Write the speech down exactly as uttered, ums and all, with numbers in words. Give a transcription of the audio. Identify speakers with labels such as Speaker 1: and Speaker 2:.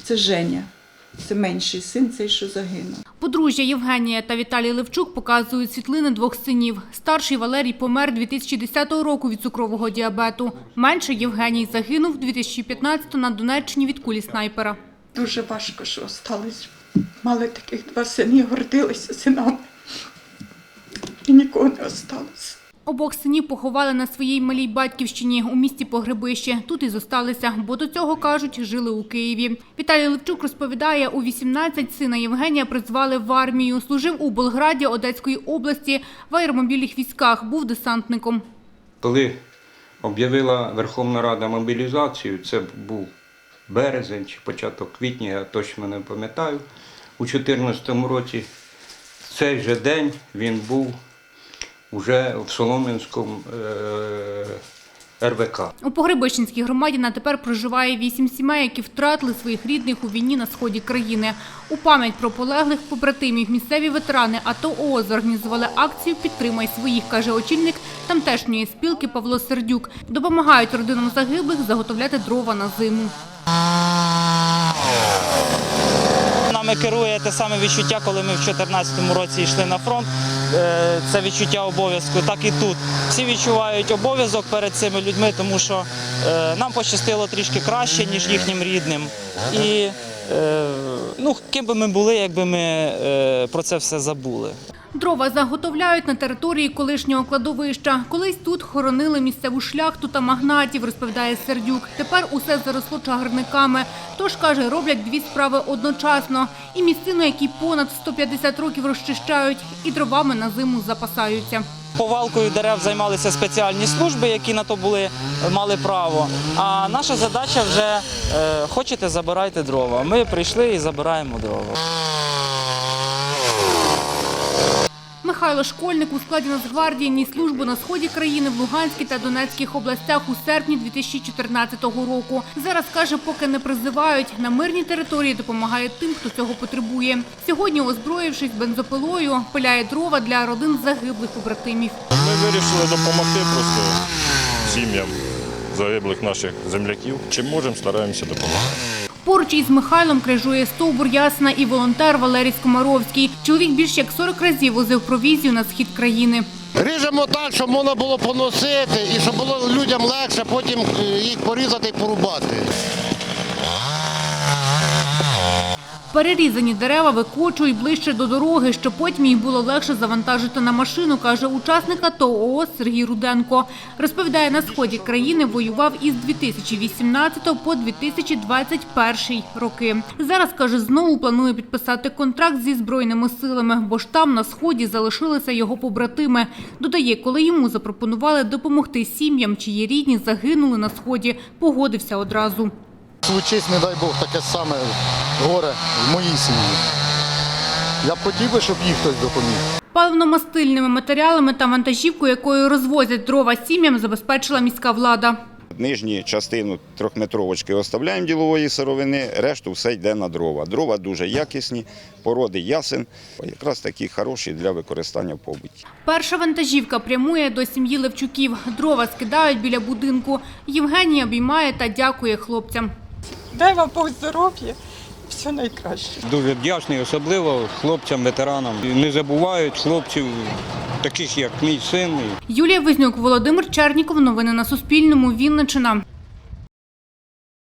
Speaker 1: Це Женя. Це менший син, цей, що загинув.
Speaker 2: Подружжя Євгенія та Віталій Левчук показують світлини двох синів. Старший Валерій помер дві тисячі десятого року від цукрового діабету. Менший Євгеній загинув дві тисячі п'ятнадцятого на Донеччині від кулі снайпера.
Speaker 1: Дуже важко, що остались. Мали таких два сини, гордилися синами. І нікого не осталось.
Speaker 2: Обох синів поховали на своїй малій батьківщині у місті Погребище. Тут і зосталися, бо до цього, кажуть, жили у Києві. Віталій Левчук розповідає, у вісімнадцять сина Євгенія призвали в армію. Служив у Болграді Одеської області в аеромобільних військах, був десантником.
Speaker 3: Коли об'явила Верховна Рада мобілізацію, це був березень чи початок квітня, я точно не пам'ятаю, у дві тисячі чотирнадцятому році, в цей же день він був уже в Солом'янському е ер ве ка.
Speaker 2: У Погребищенській громаді на тепер проживає вісім сімей, які втратили своїх рідних у війні на сході країни. У пам'ять про полеглих побратимів місцеві ветерани АТО ООС зорганізували акцію «Підтримай своїх», каже очільник тамтешньої спілки Павло Сердюк. Допомагають родинам загиблих заготовляти дрова на зиму.
Speaker 4: Нами керує те саме відчуття, коли ми в дві тисячі чотирнадцятому році йшли на фронт. Це відчуття обов'язку, так і тут. Всі відчувають обов'язок перед цими людьми, тому що нам пощастило трішки краще, ніж їхнім рідним. І ну, ким би ми були, якби ми про це все забули.
Speaker 2: Дрова заготовляють на території колишнього кладовища. Колись тут хоронили місцеву шляхту та магнатів, розповідає Сердюк. Тепер усе заросло чагарниками. Тож, каже, роблять дві справи одночасно. І місцину, які понад сто п'ятдесят років розчищають, і дровами на зиму запасаються.
Speaker 4: Повалкою дерев займалися спеціальні служби, які на то були, мали право. А наша задача вже е, хочете – забирайте дрова. Ми прийшли і забираємо дрова.
Speaker 2: Михайло Школьник у складі Нацгвардії ніс службу на сході країни в Луганській та Донецьких областях у серпні дві тисячі чотирнадцятого року. Зараз, каже, поки не призивають, на мирній території допомагає тим, хто цього потребує. Сьогодні, озброївшись бензопилою, пиляє дрова для родин загиблих побратимів.
Speaker 5: Ми вирішили допомогти просто сім'ям загиблих наших земляків. Чим можемо, стараємося допомагати.
Speaker 2: Поруч із Михайлом крижує стовбур ясна і волонтер Валерій Скомаровський. Чоловік більш як сорок разів возив провізію на схід країни.
Speaker 6: Ріжемо так, щоб можна було поносити і щоб було людям легше потім їх порізати і порубати.
Speaker 2: Перерізані дерева викочують ближче до дороги, щоб потім їх було легше завантажити на машину, каже учасник АТО ООС Сергій Руденко. Розповідає, на сході країни воював із дві тисячі вісімнадцятого по дві тисячі двадцять перший роки. Зараз, каже, знову планує підписати контракт зі Збройними силами, бо ж там на сході залишилися його побратими. Додає, коли йому запропонували допомогти сім'ям, чиї рідні загинули на сході, погодився одразу.
Speaker 6: Случись, не дай Бог, таке саме горе в моїй сім'ї. Я б хотів би, щоб їх хтось допоміг.
Speaker 2: Паливно-мастильними матеріалами та вантажівкою, якою розвозять дрова сім'ям, забезпечила міська влада.
Speaker 7: Нижню частину трьохметровочки оставляємо ділової сировини, решту все йде на дрова. Дрова дуже якісні, породи ясен, якраз такі хороші для використання в побуті.
Speaker 2: Перша вантажівка прямує до сім'ї Левчуків. Дрова скидають біля будинку. Євгеній обіймає та дякує хлопцям.
Speaker 1: Дай вам Бог здоров'я, все найкраще.
Speaker 3: Дуже вдячний, особливо хлопцям, ветеранам. Не забувають хлопців, таких як мій син.
Speaker 2: Юлія Визнюк, Володимир Черніков. Новини на Суспільному. Вінниччина.